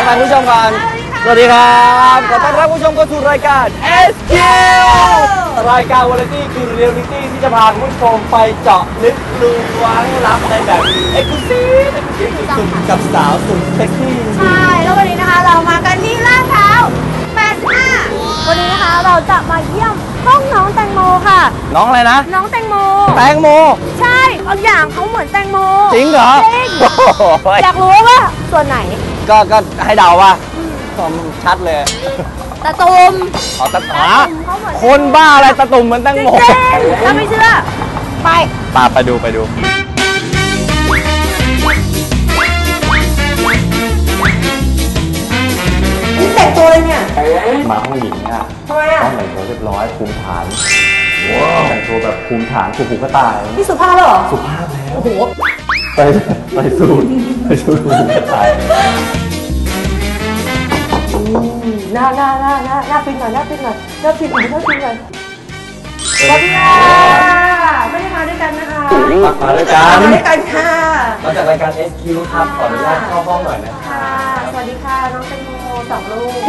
ทักทายผู้ชมกันสวัสดีครับขอต้อนรับผู้ชมเข้าสู่รายการ SQ รายการวาไรตี้คือเรียลลิตี้ที่จะพาผู้ชมไปเจาะลึกล้วงลับในแบบเอ็กซ์คลูซีฟสุดกับสาวสุดเซ็กซี่ใช่แล้ววันนี้นะคะเรามากันที่ลาดพร้าว85วันนี้นะคะเราจะมาเยี่ยมห้องน้องแตงโมค่ะน้องอะไรนะน้องแตงโมแตงโมใช่บางอย่างเขาเหมือนแตงโมจริงเหรอจริงอยากรู้ว่าส่วนไหนก็ให้เดาว่าชัดเลยตะตุ่มตะตุ่มคนบ้าอะไรตะตุ่มเหมือนแตงโมถ้าไม่เชื่อไปดูนี่แต่งตัวเลยเนี่ยมาห้องหญิงเนี่ยทำไมอ่ะต้องแต่งตัวเรียบร้อยภูมิฐานแต่งตัวแบบภูมิฐานผูกกระต่ายนี่สุภาพเหรอสุภาพแล้วโอ้โหไปสูตรผูกกระต่ายหน้าฟินหน่อยสวัสดีค่ะไม่ได้มาด้วยกันนะคะมาด้วยกันค่ะมาจากรายการ SQ ครับขออนุญาตเข้าห้องหน่อยนะค่ะสวัสดีค่ะน้องแตงโม2 ลูก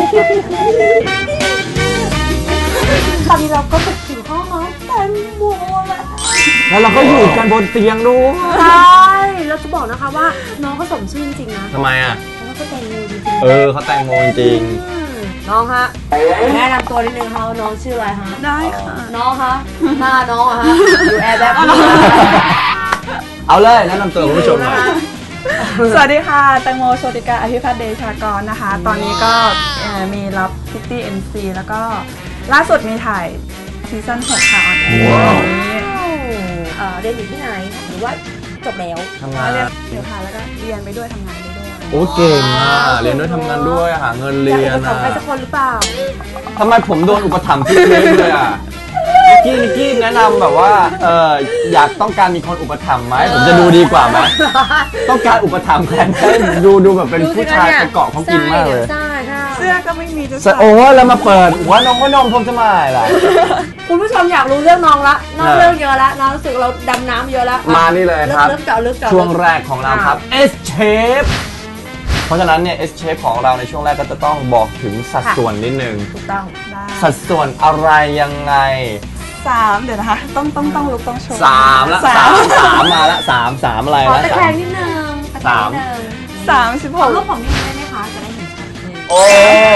ตอนนี้เราก็ถึงห้องน้องแตงโมแล้วเราก็อยู่กันบนเตียงด้วยใช่เราจะบอกนะคะว่าน้องเขาสมชื่อจริงๆนะทำไมอ่ะเขาแตงโมจริงเขาแตงโมจริงน้องฮะแนะนำตัวนิดนึงค่ะน้องชื่ออะไรฮะได้ค่ะน้องฮะหน้าน้องฮะอยู่แอร์แบบเอาเลยแนะนำตัวคุณผู้ชมหน่อยสวัสดีค่ะแตงโมโชติกาอภิพัฒน์เดชากรนะคะตอนนี้ก็มีรับพิตตี้ MC แล้วก็ล่าสุดมีถ่ายซีซั่น 6ค่ะออนแอร์เรียนอยู่ที่ไหนหรือว่าจบแล้วทำงานเรียนอยู่ค่ะแล้วก็เรียนไปด้วยทำงานไปด้วยโอ้เก่งอ่ะเรียนด้วยทำงานด้วยหาเงินเรียนอ่ะใครสักคนหรือเปล่าทำไมผมโดนอุปถัมภ์ที่เลยอ่ะนิกกี้แนะนำแบบว่าอยากต้องการมีคนอุปถัมภ์ไหมผมจะดูดีกว่าไหมต้องการอุปถัมภ์แทนดูแบบเป็นผู้ชายไปเกาะเขากินมากเลยเสื้อก็ไม่มีจะใส่โอ้แล้วมาเปิดหัวนมผมจะมาอะไรล่ะคุณผู้ชมอยากรู้เรื่องน้องละน้องเรื่องเยอะละน้องรู้สึกเราดำน้ำเยอะละมานี่เลยครับลึกเจาะช่วงแรกของเราครับ S Shape เพราะฉะนั้นเนี่ย S Shape ของเราในช่วงแรกก็จะต้องบอกถึงสัดส่วนนิดนึงถูกต้องสัดส่วนอะไรยังไง 3เดี๋ยวนะคะต้องลุกต้องโชว์ 3ละ3มาละ3อะไรนะขอตะแคงนิดนึง 36 รูปของนี่ได้ไหมคะจะได้เห็นชัดเลยโอ้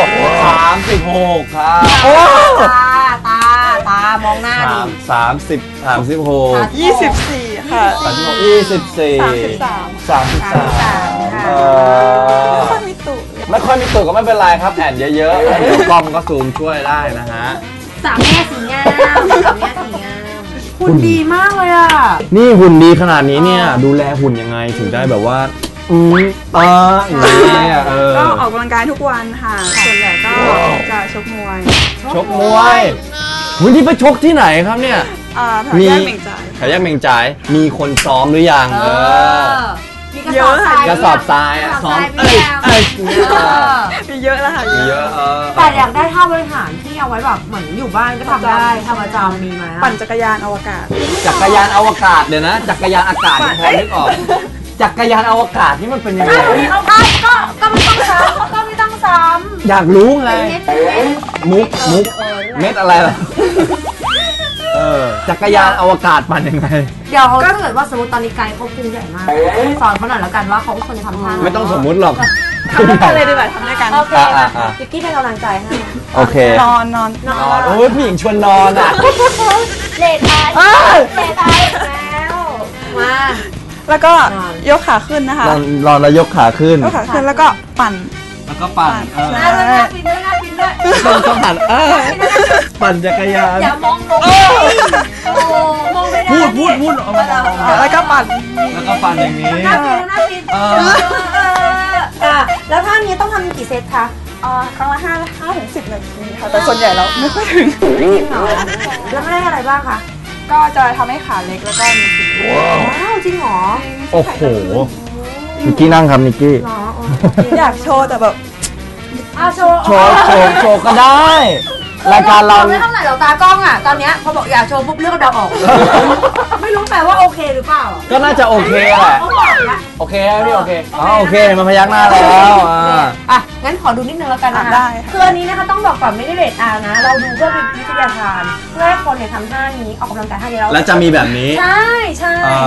36ครับโอ้ตามองหน้าดิ 24ค่ะไม่ค่อยมีตุ่ก็ไม่เป็นไรครับแอนเยอะๆเดี๋ยวกล้องก็ซูมช่วยได้นะฮะ 3 แง่สีงามหุ่นดีมากเลยอ่ะนี่หุ่นดีขนาดนี้เนี่ยดูแลหุ่นยังไงถึงได้แบบว่าอย่างนี้ก็ออกกำลังกายทุกวันค่ะส่วนใหญ่ก็จะชกมวยวันนี้ไปชกที่ไหนครับเนี่ยแถวแยกเหม่งจ่ายมีคนซ้อมหรือยังมีกระสอบทรายซ้อมมีเยอะแล้วค่ะเยอะแต่อยากได้ท่าบริหารที่เอาไว้แบบเหมือนอยู่บ้านก็ทำได้ทำประจำมีไหมปั่นจักรยานอวกาศเดี๋ยวนะจักรยานอากาศพอนึกออกจักรยานอวกาศนี่มันเป็นยังไงก็ไม่ต้องซ้ำอยากรู้ไงมุกเม็ดอะไรล่ะจักรยานอวกาศปั่นยังไงเดี๋ยวถ้าเกิดว่าสมมติตอนนี้ไกด์เขาพุงใหญ่มากสอนเขาหน่อยแล้วกันว่าเขาควรจะทำท่าไม่ต้องสมมุติหรอกทำด้วยกันเลยดีกว่าทำด้วยกันโอเคพิกกี้เป็นกำลังใจให้โอเคนอนโอ้ยผู้หญิงชวนนอนอ่ะเลดไอแล้วมาแล้วก็ยกขาขึ้นนะคะนอนแล้วยกขาขึ้นแล้วก็ปั่นน่าฟินด้วยต้องหันปั่นจักรยานอย่ามองมองไม่ได้พูดออกมาแล้วก็ปั่นอย่างนี้น่าฟินแล้วท่านี้ต้องทำกี่เซตคะครั้งละ5 ถึง 10 นาทีค่ะแต่ส่วนใหญ่เราไม่ค่อยถึงแล้วไม่ได้อะไรบ้างคะก็จะทำให้ขาเล็กแล้วก็มีสีว้าวจริงเหรอโอ้โหนิกกี้นั่งครับนิกกี้อยากโชว์แต่แบบโชว์ก็ได้รายการเราไม่เท่าไหร่หรอกตากล้องอ่ะตอนเนี้ยพอบอกอยากโชว์ปุ๊บเลือกเดาออก ไม่รู้แปลว่าโอเคหรือเปล่าก็น่าจะโอเคแหละเขาบอกนะโอเคไหมพี่โอเคอ๋อโอเคมาพยักหน้าแล้วอ่ะงั้นขอดูนิดนึงแล้วกันนะคะได้ค่ะคืออันนี้นะคะต้องบอกก่อนไม่ได้เรทอาร์นะ เราดูเพื่อเป็นวิทยาทานเพื่อให้คนเนี่ยทำท่านี้ออกกำลังกายท่านี้แล้วแล้วจะมีแบบนี้ใช่ใช่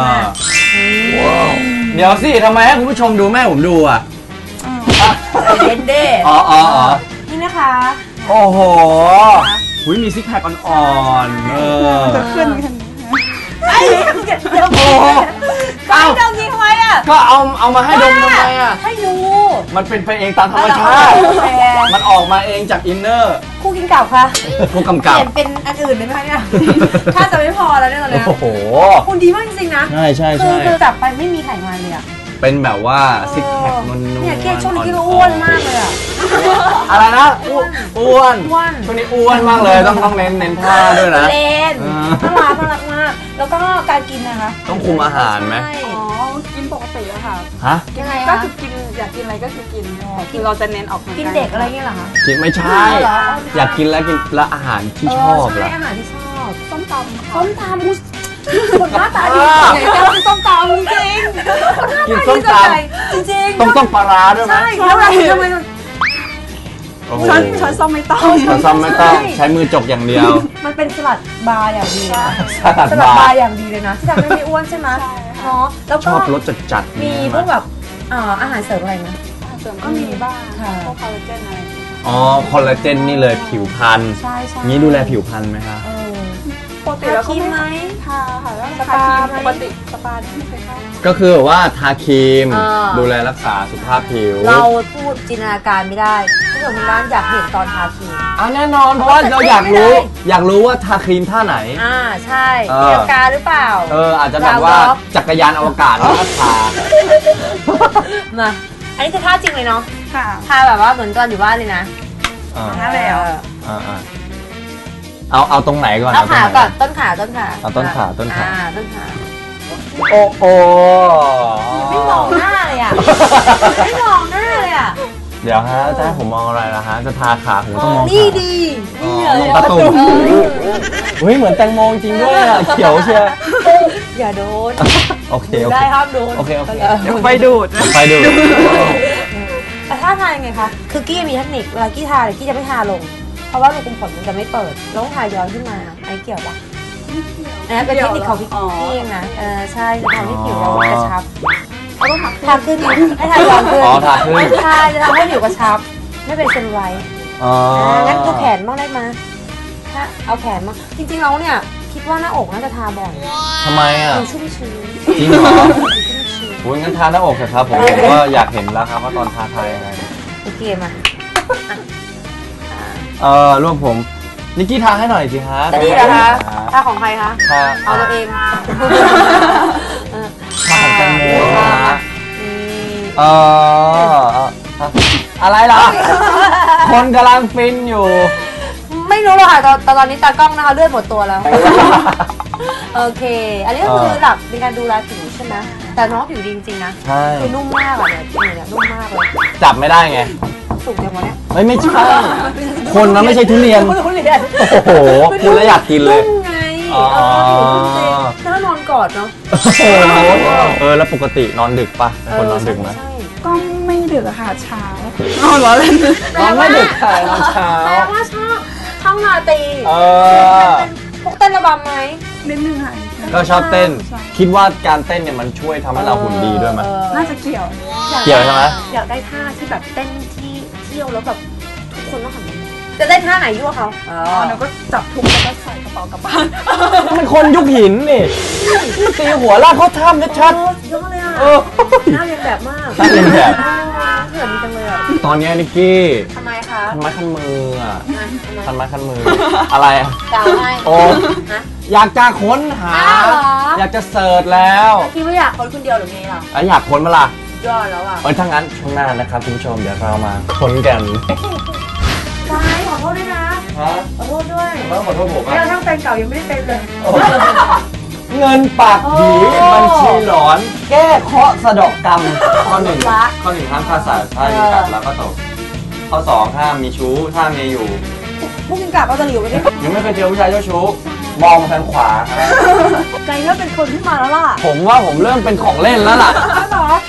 เดี๋ยวสิทำไมให้คุณผู้ชมดูแม่ผมดูอ่ะเด่นเด้อ๋อนี่นะคะโอ้โหหุ้ยมีซิกแพคอ่อนๆจะขึ้นกันไอ้เดี๋ยวโอ้โหก็ให้ดมยิงทำไมอ่ะก็เอามาให้ดมทำไมอ่ะให้ดูมันเป็นไปเองตามธรรมชาติ มันออกมาเองจากอินเนอร์คู่กินเก่าค่ะผู้กำเปกับลี่ยนเป็นอันอื่นได้ไหมเนี่ยถ้าจะไม่พอแล้วเนี่ยตอนเนี้ยโอ้โหคุณดีมากจริงๆนะใช่คือจับไปไม่มีไขมันเลยอ่ะเป็นแบบว่าซิกแพคนวลๆเนี่ยเกศช่วงนี้ก็อ้วนมากเลยอ่ะอะไรนะอ้วนอ้วนช่วงนี้อ้วนมากเลยต้องเน้นท่าด้วยนะเล่นอ่าน่ารักมาก แล้วก็การกินนะคะต้องคุมอาหารไหมใช่อ๋อ กินปกติอะค่ะฮะยังไงก็คะคือกินอยากกินอะไรก็คือกินแต่คือเราจะเน้นออกกินเด็กอะไรเงี้ยเหรอคะกินไม่ใช่เหรออยากกินแล้วอาหารที่ชอบใช่ล่ะอาหารที่ชอบส้มตำส้มตำอุ๊ยคนหน้าตาดีไหนจะกินส้มตำจริงๆกินส้มตจริงำๆต้องปลาร้าด้วยไหมใช่แล้วเราทำไมโอ้โหช้อนส้มไม่ต้องช้อนซ้อมไม่ต้องใช้มือจกอย่างเดียวมันเป็นสลัดบาร์อย่างดีนะสลัดสลัดบาบาร์ร์อย่างดีเลยนะที่ทำให้ไม่อ้วนใช่ไหมใช่ค่ะเนาะแล้วชก็อบรสจัดๆมีเนี่ยพวกแบบอาหารเสริมอะไรนะเสริมก็มีบ้างค่ะพวกคอลลาเจนอะไรอย่างเงี้ยอ๋อคอลลาเจนนี่เลยผิวพรรณใช่ใช่งี้ดูแลผิวพรรณไหมคะปกติแล้วก็ทาครีมไหมทาค่ะแล้วสทาปาครีมไหมปกติสปาที่ไม่เคยเข้าก็คือแบบว่าทาครีมอ่าดูแลรักษาสุขภาพผิวเราพูดจินตนาการไม่ได้ผู้ชมทางบ้านอยากเห็นตอนทาครีมแน่นอนเพราะว่าเราอยากรู้ อยากรู้ว่าทาครีมท่าไหนใช่เออจินตนาการหรือเปล่าอาจจะแบบว่าจักรยานอวกาศแล้วก็ทามาอันนี้คือท่าจริงเลยเนาะค่ะท่าแบบว่าเหมือนตอนอยู่บ้านเลยนะนั่นแหละเอาตรงไหนก่อนเอาขาตรงไหก่อนต้นขาเอาต้นขาต้นขาต้นขาโอ้โหไม่มองหน้าเลยอ่ะไม่มองหน้าเลยอ่ะเดี๋ยวฮะจะให้ผมมองอะไรล่ะฮะจะทาขาผมต้องมองนี่ขาดีอ๋นี่อเลยประตูเฮ้ยเหมือนแตงโมจริงด้วยอ่ะเขียวเชียวอย่าโดนโอเคโอได้เคห้ามโดนโอเคเดี๋ยวไฟดูดนะไปดูแต่ท่าทางยังไงคะคือกี้มีเทคนิคเวลากี้ทาเนี่ยกี้จะไม่ทาลง เพราะว่ารูขุมขนมันจะไม่เปิดแล้วต้องทาย้อนขึ้นมาไอ้เกี่ยวปะอันนั้นเป็นเทคนิคของพี่เองนะใช่จะทำให้ผิวเรากระชับเอาต้องหักทาขึ้นให้ทาย้อนขึ้นอ๋อทาขึ้นทาจะทำให้ผิวกระชับ ไม่เป็นเซลลูไลท์อ๋องั้นดูแขนบ้างได้ไหมถ้าเอาแขนมาจริงๆเราเนี่ยคิดว่าหน้าอกน่าจะทาบ่อยทำไมอ่ะดูชุ่มชื้นจริงเหรอดูชุ่มชื้นโอ้ยงั้นทาหน้าอกเถอะครับผมก็อยากเห็นแล้วครับว่าตอนทายังไงโอเคมารวมผมนิกกี้ทาให้หน่อยสิฮะจะดีเหรอคะทาของใครคะทาเอาตัวเองทาของแตงโมนะฮะนี่อะไรล่ะ คนกำลังฟินอยู่ไม่รู้หรอกค่ะตอนนี้ตากล้องนะคะเลือดหมดตัวแล้ว โอเค อันนี้ก็คือหลักในการดูแลผิวใช่ไหมแต่น้องผิวดีจริงๆนะใช่คือนุ่มมากอ่ะเนี่ยผิวเนี่ยนุ่มมากเลยจับไม่ได้ไงสุกอย่างวันเนี้ยไม่ใช่ คนมันไม่ใช่ทุเรียนทุเรียนโอ้โหพูดแล้วอยากกินเลยนุ่มไงอ๋อผิวนุ่มจริงแล้วนอนกอดเนาะโอ้โหแล้วปกตินอนดึกปะเป็นคนนอนดึกไหมใช่ก็ไม่ดึกอะค่ะเช้าอ๋อเหรอเล่นนอนไม่ดึกค่ะนอนเช้าแปลว่าชอบราตรี พวกเต้นระบำไหมนิดนึงค่ะก็ชอบเต้น คิดว่าการเต้นเนี่ยมันช่วยทำให้เราหุ่นดีด้วยไหมน่าจะเกี่ยวเกี่ยวใช่ไหมอยากได้ท่าที่แบบเต้นที่เที่ยวแล้วแบบทุกคนต้องหันมาจะได้ท่าไหนยั่วเขาหนูก็จับทุกแล้วก็ใส่กระเป๋ากลับบ้านมันคนยุคหินนี่ตีหัวลากเขาถ้ำชัดเยอะเลยอ่ะๆเออน่าเรียนแบบมากน่าเรียนแบบเขินจังเลยอ่ะตอนเนี้ยนิกกี้ทำไมคะคันไม้คันมืออ่ะทำไมคันไม้คันมือ อะไรอ่ะกล่าวให้โอ้ฮะอยากจะค้นหาอ้าวเหรออยากจะเสิร์ชแล้วคิดว่าอยากคนเดียวหรือไงล่ะอยากค้นมาล่ะยอดแล้วอ่ะถ้างั้นช่วงหน้านะครับคุณผู้ชมเดี๋ยวเรามาค้นกันซ้ายขอโทษด้วยนะฮะขอโทษด้วยแล้วขอโทษผมแม้กระทั่งแฟนเก่ายังไม่ได้เป็นเลยเงินปากผีบัญชีหลอน แก้เคราะห์สะเดอกกรรมข้อหนึ่งห้ามฆ่าสัตว์ถ้ามีกัดแล้วก็ตกข้อสองห้ามมีชู้ถ้ามีอยู่พวกกินกาบเอาตะหลิวไปด้วยยังไม่เคยเจอผู้ชายเจ้าชู้มองมาทางขวาครับใจเริ่มเป็นคนขึ้นมาแล้วล่ะผมว่าผมเริ่มเป็นของเล่นแล้วล่ะเหรอ